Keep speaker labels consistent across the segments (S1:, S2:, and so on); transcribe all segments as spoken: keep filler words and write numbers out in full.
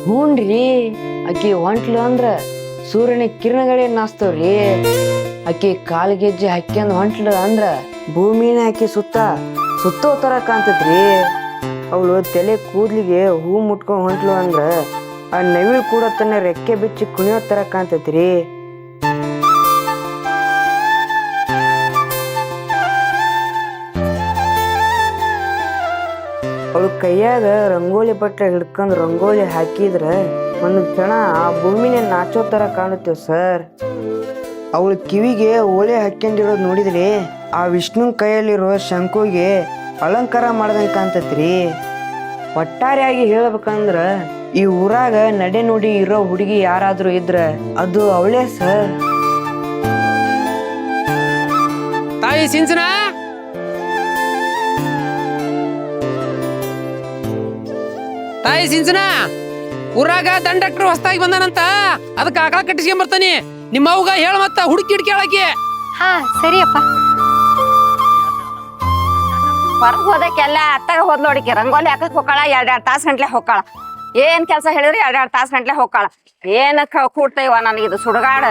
S1: ಹೂನ್ರಿ ಆಕಿ ಹೊಂಟ್ಲು ಅಂದ್ರ ಸೂರ್ಯನ ಕಿರಣಗಳೇ ನಾಸ್ತವ್ರಿ. ಆಕಿ ಕಾಲ್ಗೆಜ್ಜೆ ಹಾಕ್ಯಂದ್ ಹೊಂಟ್ಲು ಅಂದ್ರ ಭೂಮಿನ ಆಕಿ ಸುತ್ತ ಸುತ್ತೋ ತರ ಕಾಣ್ತೈತ್ರಿ. ಅವಳು ತಲೆ ಕೂದ್ಲಿಗೆ ಹೂ ಮುಟ್ಕೊಂಡ್ ಹೊಂಟ್ಲು ಅಂದ್ರ ಆ ನವಿಲ್ ಕೂಡ ತನ್ನ ರೆಕ್ಕೆ ಬಿಚ್ಚಿ ಕುಣಿಯೋ ತರ ಕಾಣ್ತೈತ್ರಿ. ಅವಳು ಕೈಯಾಗ ರಂಗೋಲಿ ಬಟ್ಟೆ ಹಿಡ್ಕೊಂಡ್ ರಂಗೋಲಿ ಹಾಕಿದ್ರ ಒಂದು ಕ್ಷಣ ಆ ಭೂಮಿನೇ ನಾಚೋ ತರ ಕಾಣುತ್ತೇವ್ ಸರ್. ಅವಳು ಕಿವಿಗೆ ಓಲೆ ಹಾಕ್ಯಂಡಿರೋದು ನೋಡಿದ್ರಿ ಆ ವಿಷ್ಣು ಕೈಯಲ್ಲಿರೋ ಶಂಕುಗೆ ಅಲಂಕಾರ ಮಾಡ್ದಂಗೆ ಕಾಣ್ತೈತ್ರಿ. ಒಟ್ಟಾರೆಯಾಗಿ ಹೇಳ್ಬೇಕಂದ್ರ ಈ ಊರಾಗ ನಡೆ ನುಡಿ ಇರೋ ಹುಡುಗಿ ಯಾರಾದ್ರೂ ಇದ್ರ ಅದು ಅವಳೇ ಸರ್.
S2: ತಾಯಿ ಸಿಂಚನ, ತಾಯಿ ಸಿಂಚನ, ಊರಾಗ ದಂಡ ಡಾಕ್ಟರ್ ಹೊಸ್ತಾಗಿ ಬಂದಾನಂತ, ಅದಕ್ಕೆ ಆಕಳ ಕಟ್ಟಿಸ್ಕೊಂಡ್ ಬರ್ತಾನಿ. ನಿಮ್ಮ ಅವ್ಗ ಹೇಳ ಮತ್ತ ಹುಡುಕಿ ಹಿಡ್ಕಿ ಹೇಳಕ್ಕೆ.
S3: ಹಾ ಸರಿಯಪ್ಪ.
S4: ಹೊರಗೆ ಹೋದಕ್ಕೆಲ್ಲ ಅತ್ತಾಗ ಹೋದ್ ನೋಡಿಕೆ ರಂಗೋಲಿ ಹಾಕಕ್ ಹೋಗಾಳ, ಎರಡೆರಡು ತಾಸು ಗಂಟ್ಲೆ ಹೋಗಾಳ. ಏನ್ ಕೆಲಸ ಹೇಳಿದ್ರಿ ಎರಡೆರಡು ತಾಸು ಗಂಟ್ಲೆ ಹೋಗಾಳ. ಏನ ಕೂಡ್ತೈವ ನನಗಿದು ಸುಡುಗಾಡ.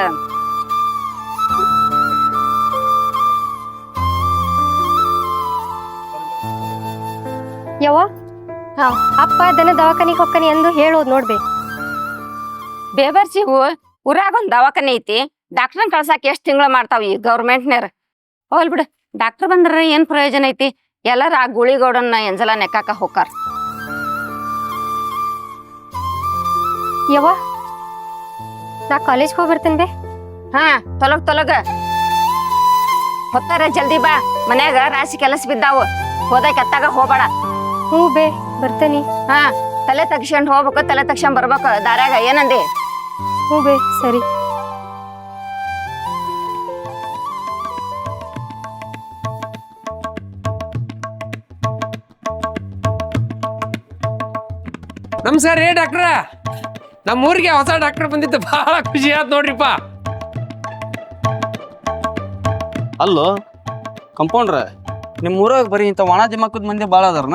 S3: ಯವ್ವ, ಹಾ ಅಪ್ಪ ದನ ದವಾಖಾನಿಗೆ ಹೊಕ್ಕನಿ ಎಂದು ಹೇಳೋದ್ ನೋಡ್ಬೇ.
S4: ಬೇಬರ್ಸಿಗೂ ಊರಾಗ ಒಂದ್ ದವಾಖಾನೆ ಐತಿ, ಡಾಕ್ಟರ್ನ ಕಳ್ಸಾಕ ಎಷ್ಟ್ ತಿಂಗಳು ಮಾಡ್ತಾವ ಈ ಗೌರ್ಮೆಂಟ್ನೇರ. ಹೋಲ್ ಬಿಡು, ಡಾಕ್ಟರ್ ಬಂದ್ರ ಏನ್ ಪ್ರಯೋಜನ ಐತಿ? ಎಲ್ಲಾರ ಆ ಗುಳಿಗೌಡನ್ನ ಎಂಜಲ ನೆಕ್ಕಾಕ ಹೋಗಾರ.
S3: ಯವ್ವ, ನಾ ಕಾಲೇಜ್ಗೆ ಹೋಗಿ ಬರ್ತೇನೆ ಬೇ.
S4: ಹಾ ತೊಲಗ್ ತೊಲಗ ಹೊತ್ತಾರ, ಜಲ್ದಿ ಬಾ. ಮನ್ಯಾಗ ರಾಶಿ ಕೆಲಸ ಬಿದ್ದಾವು, ಹೋದಕ್ ಅತ್ತಾಗ ಹೋಗ್ಬೇಡ.
S3: ಹ್ಞೂ ಬೇ ಬರ್ತೇನಿ.
S4: ಹಾ ತಲೆ ತಗ್ಸ್ಕೊಂಡ್ ಹೋಗ್ಬೇಕು, ತಲೆ ತಗ್ಸ್ಕೊಂಡ್ ಬರ್ಬೇಕು ದಾರ್ಯಾಗ. ಏನಂದಿ?
S3: ಹ್ಞೂ ಬೇ ಸರಿ.
S2: ನಮಸ್ಕಾರ ರೀ ಡಾಕ್ಟ್ರ. ನಮ್ಮ ಊರಿಗೆ ಹೊಸ ಡಾಕ್ಟರ್ ಬಂದಿದ್ದು ಬಹಳ ಖುಷಿ ಆಯ್ತು ನೋಡ್ರಿಪ್ಪ.
S5: ಅಲ್ಲೋ ಕಂಪೌಂಡ್ರ, ನಿಮ್ಮ ಊರಾಗ ಬರೀ ಇಂಥ ಒಣ ದಿಮಾಕದ ಮಂದಿ ಭಾಳ ಅದಾರನ?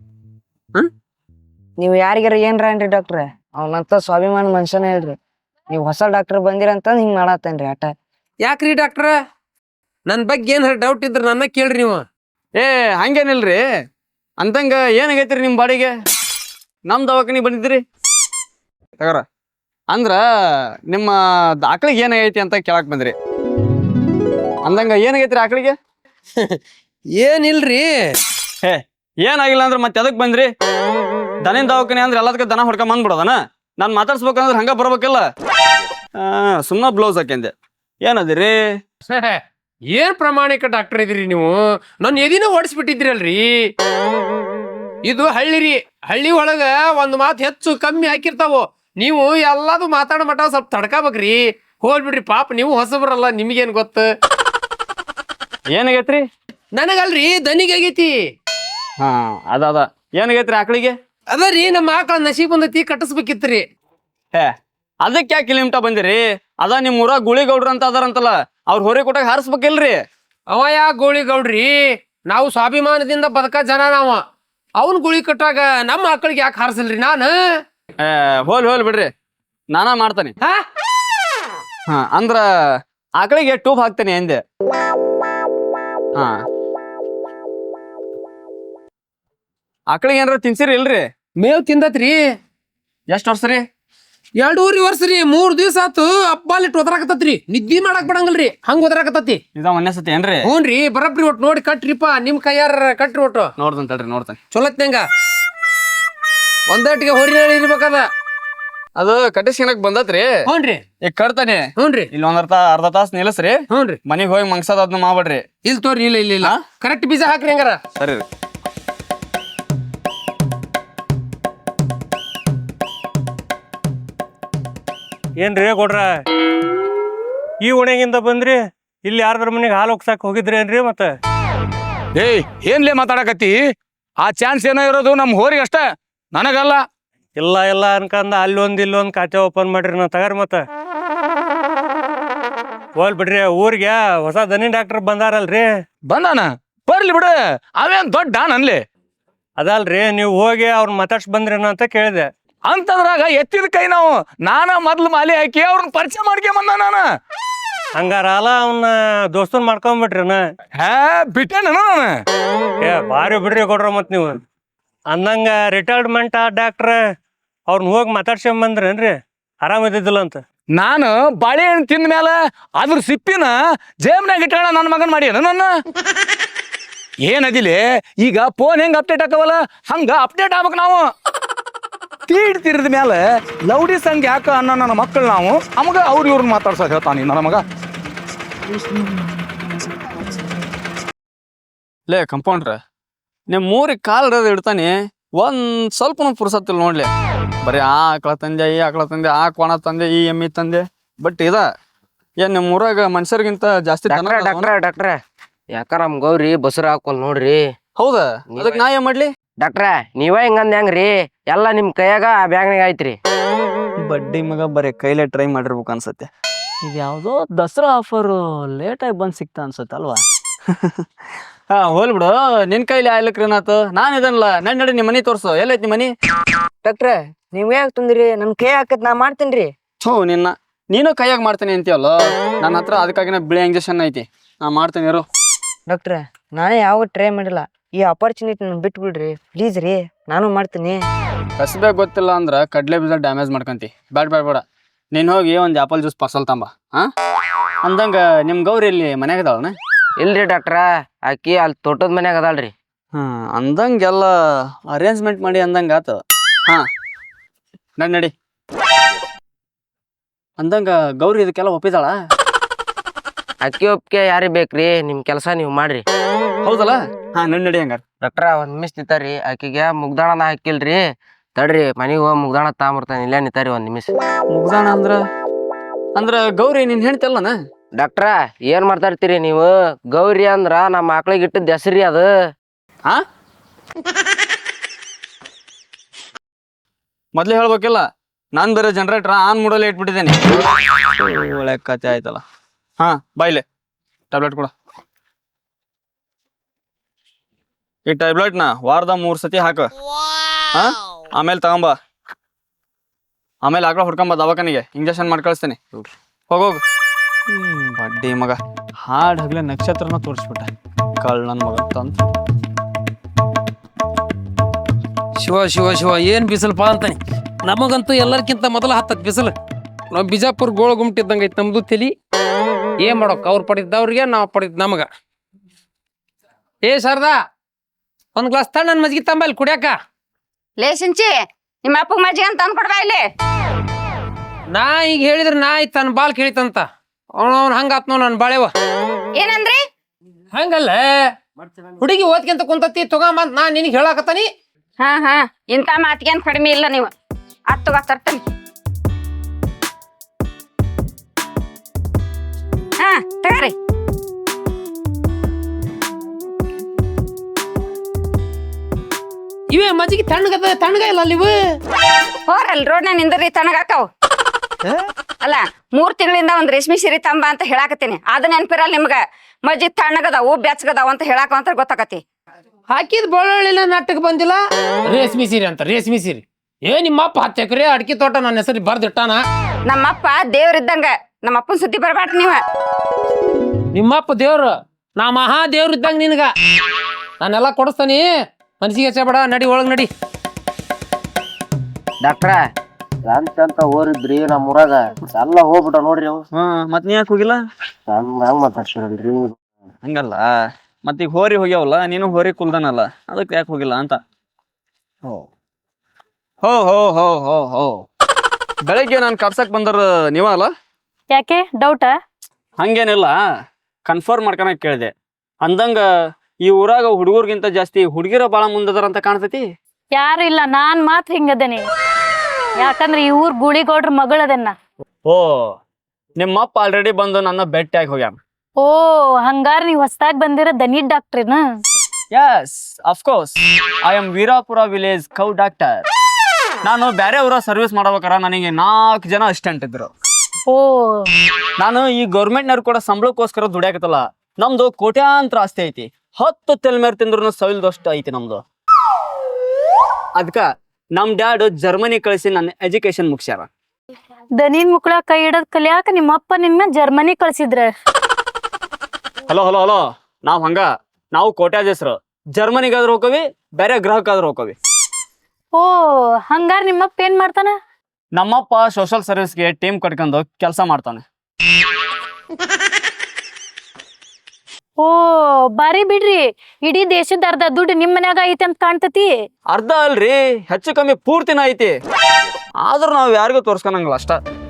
S1: ನೀವು ಯಾರಿಗಾರ ಏನ್ರ ಏನ್ರಿ ಡಾಕ್ಟ್ರ? ಅವನಂತ ಸ್ವಾಭಿಮಾನ ಮನುಷ್ಯನೇ ಹೇಳ್ರಿ. ನೀವು ಹೊಸ ಡಾಕ್ಟರ್ ಬಂದಿರಂತ ಹಿಂಗ್ ಮಾಡತ್ತೇನ್ರಿ ಆಟ.
S2: ಯಾಕ್ರಿ ಡಾಕ್ಟ್ರ, ನನ್ನ ಬಗ್ಗೆ ಏನಾರ ಡೌಟ್ ಇದ್ರೆ ನನ್ನ ಕೇಳ್ರಿ ನೀವು.
S5: ಏ ಹಂಗೇನಿಲ್ರಿ. ಅಂತಂಗ ಏನಾಗೈತ್ರಿ ನಿಮ್ಮ ಬಾಡಿಗೆ? ನಮ್ಮ ದವಾಖಾನಿಗೆ ಬಂದಿದ್ರಿ ತಗೋರ. ಅಂದ್ರ ನಿಮ್ಮ ಆಕಳಿಗೆ ಏನಾಗೈತಿ ಅಂತ ಕೇಳಕ್ ಬಂದ್ರಿ. ಅಂದಂಗ ಏನಾಗೈತ್ರಿ ಆಕಳಿಗೆ?
S2: ಏನಿಲ್ರಿ.
S5: ಹೇ ಏನಾಗಿಲ್ಲ ಅಂದ್ರೆ ಮತ್ತೆ ಎದಕ್ ಬಂದ್ರಿ? ದನಿನ ದವಾಖಾನೆ ಅಂದ್ರೆ ಎಲ್ಲದಕ್ಕೆ ದನ ಹೊಡ್ಕೊಂಡ್ ಬಂದ್ಬಿಡೋದನ? ನಾನು ಮಾತಾಡ್ಸ್ಬೇಕಂದ್ರೆ ಹಂಗ ಬರ್ಬೇಕಲ್ಲ. ಸುಮ್ಮನೆ ಬ್ಲೌಸ್ ಹಾಕ್ಯಂದೆ. ಏನದಿರಿ?
S2: ಏನ್ ಪ್ರಾಮಾಣಿಕ ಡಾಕ್ಟರ್ ಇದ್ರಿ ನೀವು. ನನ್ನ ಎದಿನ ಓಡಿಸ್ಬಿಟ್ಟಿದ್ರಲ್ರಿ. ಇದು ಹಳ್ಳಿ ರೀ. ಹಳ್ಳಿ ಒಳಗ ಒಂದ್ ಮಾತು ಹೆಚ್ಚು ಕಮ್ಮಿ ಹಾಕಿರ್ತಾವು. ನೀವು ಎಲ್ಲಾದು ಮಾತಾಡೋ ಮಟ್ಟ ಸ್ವಲ್ಪ ತಡ್ಕೋಬೇಕ್ರಿ. ಹೋಗ್ಬಿಡ್ರಿ ಪಾಪ, ನೀವು ಹೊಸಬ್ರಲ್ಲ, ನಿಮ್ಗೇನ್ ಗೊತ್ತ?
S5: ಏನಾಗೈತ್ರಿ?
S2: ನನಗಲ್ರಿ, ದನಿಗೆ ಆಗೈತಿ.
S5: ಹಾ ಅದ ಅದ ಏನಾಗೈತ್ರಿ ಆಕಳಿಗೆ?
S2: ಅದ ರೀ, ನಮ್ಮ ಆಕಳ ನಶೀಬ್ ಬಂದೈತಿ, ಕಟ್ಟಿಸ್ಬೇಕಿತ್ರಿ.
S5: ಹೇ ಅದಕ್ಕೆ ಯಾಕೆ ಕಿಲಿಮಿಟ ಬಂದಿರಿ? ಅದ ನಿಮ್ ಊರಾಗ ಗುಳಿಗೌಡ್ರ ಅಂತ ಅದಾರಂತಲ್ಲ, ಅವ್ರ ಹೊರೆ ಕೊಟ್ಟಾಗ ಹಾರಿಸ್ಬೇಕಿಲ್ರಿ?
S2: ಅವ ಯಾ ಗೋಳಿ ಗೌಡ್ರಿ? ನಾವು ಸ್ವಾಭಿಮಾನದಿಂದ ಬದುಕ ಜನ ನಾವ. ಅವನ್ ಗುಳಿ ಕಟ್ಟಾಗ ನಮ್ಮ ಆಕಳಿಗೆ ಯಾಕೆ ಹಾರಿಸಲ್ರಿ ನಾನು?
S5: ಏ ಹೋಲ್ ಹೋಲ್ ಬಿಡ್ರಿ, ನಾನಾ ಮಾಡ್ತಾನೆ.
S2: ಹಾ
S5: ಹಾ ಅಂದ್ರ ಆಕಳಿಗೆ ಟೂಬ್ ಹಾಕ್ತೇನೆ ಎಂದೆ. ಹಾ ಆಕಳಿಗೆ ಏನಾರ ತಿನ್ಸಿರಿ ಇಲ್ರಿ?
S2: ಮೇವ್ ತಿಂದತ್ರಿ.
S5: ಎಷ್ಟ್ ವರ್ಷ ರೀ?
S2: ಎರಡೂರಿ ವರ್ಷ ರೀ. ಮೂರ್ ದಿವ್ಸ ಆತು ಅಪ್ಪಾಲಿಟ್ಟು ಒದರಾಕತ್ತತ್ರಿ. ನಿದ್ದಿ ಮಾಡಕ್ ಬಿಡಂಗಲ್ರಿ, ಹಂಗ ಒದರಾಕತ್ತತಿ.
S5: ಇದ ಒಂದೇ ಸತಿ ಏನ್ರಿ?
S2: ಹ್ಞೂನ್ರಿ, ಬರಬ್ರಿ. ಒಟ್ಟು ನೋಡಿ ಕಟ್ರಿಪ್ಪ, ನಿಮ್ ಕೈಯಾರ ಕಟ್ರಿ. ಒಟ್ಟು
S5: ನೋಡ್ತೇನೆ ತಡ್ರಿ, ನೋಡ್ತೇನೆ.
S2: ಚೊಲತ್ನಂಗ ಒಂದಟ್ಟಿಗೆ ಹೊರಿ ಇರ್ಬೇಕದ.
S5: ಅದು ಕಟ್ಟಿಸ್ಕೊಳಕ್ ಬಂದತ್ರಿ.
S2: ಹ್ಞೂನ್ರಿ,
S5: ಈಗ ಕಟ್ತಾನೆ.
S2: ಹ್ಞೂನ್ರಿ.
S5: ಇಲ್ಲಿ ಒಂದ್ ಅರ್ಧ ಅರ್ಧ ತಾಸ ನಿಲ್ಲಸ್ರಿ.
S2: ಹ್ಞೂನ್ರಿ,
S5: ಮನಿಗ್ ಹೋಗಿ ಮಂಗ್ಸದ ಅದನ್ನ ಮಾಡ್ಬೇಡ್ರಿ.
S2: ಇಲ್ಲಿ ತೋರಿ. ಇಲ್ಲ ಇಲ್ಲ ಇಲ್ಲ, ಕರೆಕ್ಟ್ ಬೀಜ ಹಾಕ್ರಿ ಹಂಗಾರ.
S5: ಸರಿ ರೀ.
S6: ಏನ್ರಿ ಕೊಡ್ರ, ಈ ಓಣ್ಯಾಗಿಂದ ಬಂದ್ರಿ? ಇಲ್ಲಿ ಯಾರ್ದ್ರ ಮನೆಗೆ ಹಾಲು ಹೋಗ್ಸಾಕ್ ಹೋಗಿದ್ರಿ ಏನ್ರಿ? ಮತ್ತೆ
S7: ಏಯ್ ಏನ್ಲೇ ಮಾತಾಡಕತ್ತಿ? ಆ ಚಾನ್ಸ್ ಏನೋ ಇರೋದು ನಮ್ ಹೋರಿಗೆ ಅಷ್ಟ, ನನಗಲ್ಲ.
S6: ಇಲ್ಲ ಇಲ್ಲ ಅನ್ಕಂದ ಅಲ್ಲೊಂದ್ ಇಲ್ಲೊಂದ್ ಖಾತೆ ಓಪನ್ ಮಾಡ್ರಿ ನಾ ತಗಾರ. ಮತ್ತ ಹೋಲ್ ಬಿಡ್ರಿ, ಊರಿಗೆ ಹೊಸ ದನಿ ಡಾಕ್ಟರ್ ಬಂದಾರಲ್ರಿ.
S7: ಬಂದಾನ? ಬರ್ಲಿ ಬಿಡು, ಅವೇನ್ ದೊಡ್ಡ ಡಾನ್ ಅನ್ಲಿ.
S6: ಅದಲ್ರಿ, ನೀವು ಹೋಗಿ ಅವ್ರ ಮಾತಾಡ್ಸ್ ಬಂದ್ರೇನ ಅಂತ ಕೇಳಿದೆ.
S7: ಅಂತದ್ರಾಗ ಎತ್ತಿದ ಕೈ ನಾವು ನಾನ ಮೊದ್ಲು ಮಾಲಿ ಹಾಕಿ ಅವ್ರನ್ನ ಪರಿಚಯ ಮಾಡ್ಕೊಂಬಂದ ನಾನು.
S6: ಹಂಗಾರ ಅಲ್ಲ ಅವನ್ನ ದೋಸ್ತನ್ ಮಾಡ್ಕೊಂಬಿಟ್ರಿನ.
S7: ಹಾ ಬಿಟ್ಟೇನ ನಾನು.
S6: ಏ ಭಾರಿ ಬಿಡ್ರಿ ಕೊಡ್ರ ಮತ್ ನೀವು ಅಂದಂಗ ರಿಟೈರ್ಮೆಂಟ್ ಆ ಡಾಕ್ಟ್ರ ಅವ್ರನ್ನ ಹೋಗಿ ಮಾತಾಡ್ಸ್ಕೊಂಬಂದ್ರೇನ್ರಿ ಆರಾಮಿದ್ದಿದ್ದಿಲ್ಲ ಅಂತ.
S7: ನಾನು ಬಾಳೆಹಣ್ಣು ತಿಂದ ಮ್ಯಾಲ ಅದ್ರ ಸಿಪ್ಪಿನ ಜೇಬ್ನಾಗ ಇಟ್ಟಾಳ ನನ್ನ ಮಗನ್ ಮಾಡ್ಯಾನ ನನ್ನ. ಏನದಿಲೆ ಈಗ ಫೋನ್ ಹೆಂಗ್ ಅಪ್ಡೇಟ್ ಆಕವಲ್ಲ ಹಂಗ ಅಪ್ಡೇಟ್ ಆಗ್ಬೇಕು ನಾವು. ತೀಡ್ ತಿರ್ದ ಮ್ಯಾಲ ಲೌಡಿ ಸಂಗ್ ಯಾಕ ಅನ್ನೋ ನನ್ನ ಮಕ್ಕಳು ನಾವು ನಮಗ ಅವ್ರು ಇವ್ರನ್ನ ಮಾತಾಡ್ಸಕ್ ಹೇಳ್ತಾನಿ ನನ್ನ ಮಗ.
S5: ಲೇ ಕಂಪೌಂಡ್ರ ನಿಮ್ಮ ಮೂರಿಗೆ ಕಾಲ್ ಇಡೋದು ಇಡ್ತಾನೆ ಒಂದ್ ಸ್ವಲ್ಪನೂ ಪುರ್ಸತ್ತಿಲ್ಲ ನೋಡ್ಲಿ. ಬರೀ ಆ ಆಕಳ ತಂದೆ ಈ ಆಕಳ ತಂದೆ ಆ ಕೋಣ ತಂದೆ ಈ ಎಮ್ಮಿ ತಂದೆ ಬಟ್ ಇದ ಏನ್ ನಿಮ್ಮ ಊರಾಗ ಮನುಷ್ಯರಿಗಿಂತ ಜಾಸ್ತಿ ದನ
S1: ಡಾಕ್ಟ್ರ
S5: ಅದಾವನ?
S1: ಡಾಕ್ಟ್ರ ಡಾಕ್ಟ್ರ ಯಾಕ ನಮ್ ಗೌರಿ ಬಸರ ಹಾಕೊಲ್ ನೋಡ್ರಿ.
S5: ಹೌದಾ ಅದಕ್ಕೆ ನಾ ಏನ್ ಮಾಡ್ಲಿ?
S1: ಡಾಕ್ಟ್ರ ನೀವ ಹಿಂಗಂದ ಹೆಂಗ್ರಿ ಎಲ್ಲಾ ನಿಮ್ ಕೈಯಾಗ ಬ್ಯಾಗ್ನಾಗ ಐತ್ರಿ.
S5: ಬಡ್ಡಿ ಮಗ ಬರೀ ಕೈಲೇ ಟ್ರೈ ಮಾಡಿರ್ಬೇಕು ಅನ್ಸತ್ತೆ. ಇದು ಯಾವುದೋ ದಸರಾ ಆಫರು ಲೇಟಾಗಿ ಬಂದು ಸಿಕ್ತಾ ಅನ್ಸತ್ತೆ ಅಲ್ವಾ? ಹಾ ಹೋಲ್ ಬಿಡು, ನಿನ್ ಕೈಲಿ ಆಯ್ಲಕ್ರಿ ಏನಾತು? ನಾನು ಇದನ್ನಲ್ಲ ನನ್ ನಡಿ ನಿಮ್ಮ ಮನಿ ತೋರ್ಸು. ಎಲ್ಲೈತಿ ನಿಮ್ಮ ಮನಿ?
S1: ಡಾಕ್ಟ್ರ ನೀವ್ ಯಾಕೆ ತಂದ್ರಿ ನನ್ ಕೈ ಹಾಕತ್ ನಾ ಮಾಡ್ತೇನ್ರಿ.
S5: ಥೂ ನಿನ್ನ ನೀನು ಕೈಯಾಗ ಮಾಡ್ತೀನಿ ಅಂತೀಯಲ್ಲ, ನನ್ನ ಹತ್ರ ಅದಕ್ಕಾಗಿನ ಬಿಳಿ ಇಂಜೆಕ್ಷನ್ ಐತಿ, ನಾ ಮಾಡ್ತೀನಿ ಇರು.
S1: ಡಾಕ್ಟ್ರ ನಾನೇ ಯಾವ ಟ್ರೈ ಮಾಡಿಲ್ಲ, ಈ ಅಪರ್ಚುನಿಟಿ ನನ್ ಬಿಟ್ಬಿಡ್ರಿ ಪ್ಲೀಸ್ ರೀ, ನಾನು ಮಾಡ್ತೀನಿ.
S5: ಕಸಬೇ ಗೊತ್ತಿಲ್ಲ ಅಂದ್ರ ಕಡ್ಲೆ ಬೀಜ ಡ್ಯಾಮೇಜ್ ಮಾಡ್ಕಂತಿ. ಬ್ಯಾಡ ಬ್ಯಾಡ ಬೇಡ, ನೀನ್ ಹೋಗಿ ಒಂದ್ ಆಪಲ್ ಜ್ಯೂಸ್ ಪಾರ್ಸಲ್ ತಂಬ. ಹಾ ಅಂದಂಗ ನಿಮ್ ಗೌರಿ ಇಲ್ಲಿ ಮನ್ಯಾಗ ಅದಾವನ?
S1: ಇಲ್ರಿ ಡಾಕ್ಟ್ರ ಆಕಿ ಅಲ್ಲಿ ತೋಟದ ಮನ್ಯಾಗ ಅದಾಳ್ರಿ.
S5: ಹಾ ಅಂದಂಗೆಲ್ಲ ಅರೇಂಜ್ಮೆಂಟ್ ಮಾಡಿ ಅಂದಂಗ ಆತ. ಹಾ ನಡಿ ನಡಿ. ಅಂದಂಗ ಗೌರಿ ಇದಕ್ಕೆಲ್ಲ ಒಪ್ಪಿದಾಳ?
S1: ಅಕ್ಕಿ ಒಪ್ಪಿಗೆ ಯಾರಿಗ್ ಬೇಕ್ರಿ, ನಿಮ್ ಕೆಲಸ ನೀವ್ ಮಾಡ್ರಿ.
S5: ಹೌದಲ್ಲ? ಹಾ ನಡಿ ನಡಿ ಹಂಗಾರ.
S1: ಡಾಕ್ಟ್ರ ಒಂದ್ ನಿಮಿಷ ನಿಂತಾರಿ, ಆಕಿಗೆ ಮುಗ್ದಾಣನ ಹಾಕಿಲ್ರಿ, ತಡ್ರಿ ಮನಿಗ್ ಹೋಗಿ ಮುಗ್ದಾಣ ತಗೊಂಬರ್ತಾನೆ, ಇಲ್ಲೇ ನಿಂತಾರಿ ಒಂದ್ ನಿಮಿಷ.
S5: ಮುಗ್ದಾಣ ಅಂದ್ರ ಅಂದ್ರ ಗೌರಿ ನೀನ್ ಹೇಳ್ತಿಲ್ಲನ?
S1: ಡಾಕ್ಟ್ರ ಏನ್ ಮಾತಾಡ್ತೀರಿ ನೀವು? ಗೌರಿ ಅಂದ್ರ ನಮ್ಮ ಮಕ್ಳಿಗೆ ಇಟ್ಟದ ಹೆಸರಿ ಅದು.
S5: ಹಾ ಮೊದ್ಲೇ ಹೇಳ್ಬೇಕಿಲ್ಲ, ನಾನ್ ಬೇರೆ ಜನರೇಟರ್ ಆನ್ ಮೂಡಲ್ಲೇ ಇಟ್ಬಿಟ್ಟಿದ್ದೇನೆ. ಒಳ್ಳೆ ಕತೆ ಆಯ್ತಲ್ಲ. ಹಾ ಬಾಯ್ಲೆ ಟ್ಯಾಬ್ಲೆಟ್ ಕೊಡ. ಈ ಟ್ಯಾಬ್ಲೆಟ್ನ ವಾರದ ಮೂರ್ ಸತಿ ಹಾಕ. ಹಾ ಆಮೇಲೆ ತಗೊಂಬ, ಆಮೇಲೆ ಆಕಳ ಹುಡ್ಕೊಂಬ ದವಾಖಾನಿಗೆ ಇಂಜೆಕ್ಷನ್ ಮಾಡಿ ಕಳಿಸ್ತೇನೆ. ಹೋಗೋಗು. ಹ್ಮ್ ಬಡ್ಡಿ ಮಗ ಹಾಡ್ ಹಗ್ಲೆ ನಕ್ಷತ್ರನ ತೋರಿಸ್ಬಿಟ್ಟ ಕಳ್ ನನ್ ಮಗ ತಂತ.
S2: ಶಿವ ಶಿವ ಶಿವ ಏನ್ ಬಿಸಿಲಪ್ಪ ಅಂತಾನೆ. ನಮಗಂತೂ ಎಲ್ಲರ್ಕಿಂತ ಮೊದಲ ಹತ್ತತ್ ಬಿಸಿಲು. ನಾವು ಬಿಜಾಪುರ ಗೋಳ ಗುಮ್ಟಿದ್ದಂಗ ಐತಿ ನಮ್ದು ತಲಿ. ಏನ್ ಮಾಡೋಕ್, ಅವ್ರು ಪಡಿದ್ದವ್ರಿಗೆ ನಾವು ಪಡಿದ್ ನಮಗ. ಏ ಶಾರದಾ ಒಂದ್ ಗ್ಲಾಸ್ ತಣ್ಣ ಮಜ್ಗಿ ತಂಬಲ್ಲಿ ಕುಡಿಯಾಕ.
S4: ಲೇ ಸಿಂಚಿ ನಿಮ್ಮ ಅಪ್ಪಗ್ ಮಜ್ಜಿಗೆ ಅಂತ ತಂದ್ಕೊಡ್ಬಾ ಇಲ್ಲಿ.
S2: ನಾ ಈಗ ಹೇಳಿದ್ರ ನಾ ಐತ್ ತನ್ನ ಬಾಲ್ ಕೇಳಿತಂತ ಅವ್ನ ಅವ್ನ ಹಂಗಾತ್ ನೋ ನನ್ ಬಾಳೆವ.
S4: ಏನಂದ್ರಿ?
S2: ಹಂಗಲ್ಲ ಹುಡುಗಿ ಓದ್ಕೊಂತ ಕುಂತತಿ ತಗೊಂಬಂತ ನಾ ನಿನಗೆ ಹೇಳಾಕತ್ತಾನಿ.
S4: ಹಾ ಹಾ ಇಂಥ ಮಾತಿಗೇನ್ ಕಡಿಮೆ ಇಲ್ಲ ನೀವು. ಹತ್ತುಗ ತರ್ತೀನಿ. ಹಾ ತಗೋರಿ.
S2: ಇವೇ ಮಜ್ಜಿಗೆ ತಣ್ಣಗದ ತಣ್ಣಗ ಇಲ್ಲ ಅಲ್ಲಿ ಇವು.
S4: ಹೋರಲ್ ರೋಡ್ನ ನಿಂದ್ರಿ ತಣ್ಣಗಾಕವ್. ಅಲ್ಲ ಮೂರ್ ತಿಂಗಳಿಂದ ಒಂದ್ ರೇಷ್ಮೆ ಸೀರೆ ತಂಬ ಅಂತ ಹೇಳಾಕತ್ತೀನಿ, ಅದ ನೆನ್ಪಿರಲ್ಲ ನಿಮ್ಗ. ಮಜ್ಜಿ ತಣ್ಣಗದಾವು ಬೆಚ್ಚಗದಾವು ಅಂತ ಹೇಳಾಕ ಅಂತ ಗೊತ್ತಾಕತಿ.
S2: ಹಾಕಿದ್ ಬೆಳ್ಳುಳ್ಳಿನ ನಾಟಕ ಬಂದಿಲ್ಲ. ರೇಷ್ಮಿ ಸೀರೆ ಅಂತ ರೇಷ್ಮಿ ಸೀರೆ. ಏ ನಿಮ್ಮಪ್ಪ ಹತ್ತು ಎಕರೆ ಅಡಿಕೆ ತೋಟ ನನ್ನ ಹೆಸರು ಬರ್ದಿಟ್ಟಾನ.
S4: ನಮ್ಮಪ್ಪ ದೇವ್ರಿದ್ದಂಗ, ನಮ್ಮಪ್ಪನ ಸುದ್ದಿ ಬರ್ಬ್ಯಾಡ್ರಿ ನೀವ.
S2: ನಿಮ್ಮಪ್ಪ ದೇವ್ರು, ನಾ ಮಹಾ ದೇವ್ರ ಇದ್ದಂಗ ನಿನಗ. ನಾನೆಲ್ಲ ಕೊಡಿಸ್ತಾನಿ, ಮನಸ್ಸಿಗೆ ಹಚ್ಚಬೇಡ. ನಡಿ ಒಳಗ್ ನಡಿ.
S1: ಡಾಕ್ಟ್ರ ಅಂತ ಓರಿದ್ರಿ ನಮ್ಮ ಊರಾಗ ಎಲ್ಲ ಹೋಗ್ಬಿಟ್ಟ ನೋಡ್ರಿ ಅವ್.
S5: ಹಾ ಮತ್ ನೀ ಯಾಕೆ ಹೋಗಿಲ್ಲ?
S1: ಹಂಗ ಮಾತಾಡ್ಸಿರಲ್ರಿ.
S5: ಹಂಗಲ್ಲ, ಮತ್ತೀಗ ಹೋರಿ ಹೋಗ್ಯಾವಲ್ಲ, ನೀನು ಹೋರಿ ಕುಲ್ದನಲ್ಲ, ಅದಕ್ಕೆ ಯಾಕೆ ಹೋಗಿಲ್ಲ ಅಂತ. ಹೋ ಹೋ ಹೋ ಹೋ ಹೋ ಹೋ ಬೆಳಗ್ಗೆ ನಾನು ಕರ್ಸಕ್ ಬಂದರ ನೀವ ಅಲ್ಲ?
S3: ಯಾಕೆ ಡೌಟಾ?
S5: ಹಂಗೇನಿಲ್ಲ, ಕನ್ಫರ್ಮ್ ಮಾಡ್ಕೊಳಕ್ ಕೇಳಿದೆ. ಅಂದಂಗ ಈ ಊರಾಗ ಹುಡುಗರ್ಗಿಂತ ಜಾಸ್ತಿ ಹುಡುಗಿರ ಬಾಳ ಮುಂದದಾರ ಅಂತ ಕಾಣ್ತೈತಿ.
S3: ಯಾರು ಇಲ್ಲ, ನಾನ್ ಮಾತ್ರ ಹಿಂಗದೇನಿ. ಯಾಕಂದ್ರೆ ಈ ಊರ್ ಗುಳಿಗೌಡ್ರ ಮಗಳದನ್ನ.
S5: ಓ ನಿಮ್ಮಪ್ಪ ಆಲ್ರೆಡಿ ಬಂದು ನನ್ನ ಭೇಟಿಯಾಗಿ ಹೋಗ್ಯಾನ.
S3: ಓ ಹಂಗಾರ ನೀವ್ ಹೊಸದಾಗಿ ಬಂದಿರೋ ದನಿ ಡಾಕ್ಟ್ರಿನ?
S5: Yes of course, I am Veerapura village cow doctor. ನಾನು ಬೇರೆ ಊರ ಸರ್ವಿಸ್ ಮಾಡ್ಬೇಕಾರ ನನಗೆ ನಾಲ್ಕು ಜನ ಅಸಿಸ್ಟೆಂಟ್ ಇದ್ರು.
S3: ಓ
S5: ನಾನು ಈ ಗೌರ್ಮೆಂಟ್ನವ್ರು ಕೂಡ ಸಂಬಳಕ್ಕೋಸ್ಕರ ದುಡಿಯಾಕತ್ತಲ್ಲ. ನಮ್ದು ಕೋಟ್ಯಾಂತರ ಆಸ್ತಿ ಐತಿ, ಹತ್ತು ತೆಲ್ ಮೇರ್ ತಿಂದ್ರು ಸವಿಲ್ದಷ್ಟು ಐತಿ ನಮ್ದು. ಅದಕ್ಕ ನಮ್ ಡ್ಯಾಡ್ ಜರ್ಮನಿ ಕಳಿಸಿ ನನ್ನ ಎಜುಕೇಶನ್ ಮುಗಿಸ್ಯಾರ.
S3: ದನಿನ್ ಮುಕ್ಳ ಕೈ ಹಿಡದ್ ಕಲಿಯಾಕ ನಿಮ್ಮಪ್ಪ ನಿನ್ನ ಜರ್ಮನಿ ಕಳ್ಸಿದ್ರ.
S5: ಹಲೋ ಹಲೋ ಹಲೋ ನಾವ್ ಹಂಗ ನಾವು ಕೋಟ್ಯಾಧೀಶರು. ಜರ್ಮನಿಗಾದ್ರೂ ಹೋಗವಿ, ಬೇರೆ ಗ್ರಹಕ್ಕಾದ್ರೂ ಹೋಗವಿ.
S3: ಓ ಹಂಗಾರ ನಿಮ್ಮಪ್ಪ ಏನ್ ಮಾಡ್ತಾನ?
S5: ನಮ್ಮಪ್ಪ ಸೋಷಲ್ ಸರ್ವಿಸ್ಗೆ ಟೀಮ್ ಕಟ್ಕೊಂಡು ಕೆಲಸ ಮಾಡ್ತಾನೆ.
S3: ಓ ಬಾರಿ ಬಿಡ್ರಿ, ಇಡೀ ದೇಶದ ಅರ್ಧ ದುಡ್ಡು ನಿಮ್ ಮನ್ಯಾಗ ಐತಿ ಅಂತ ಕಾಣ್ತತಿ.
S5: ಅರ್ಧ ಅಲ್ರಿ, ಹೆಚ್ಚು ಕಮ್ಮಿ ಪೂರ್ತಿನ ಐತಿ. ಆದ್ರೂ ನಾವ್ ಯಾರಿಗೂ ತೋರ್ಸ್ಕೊಳಂಗಿಲ್ಲ ಅಷ್ಟ.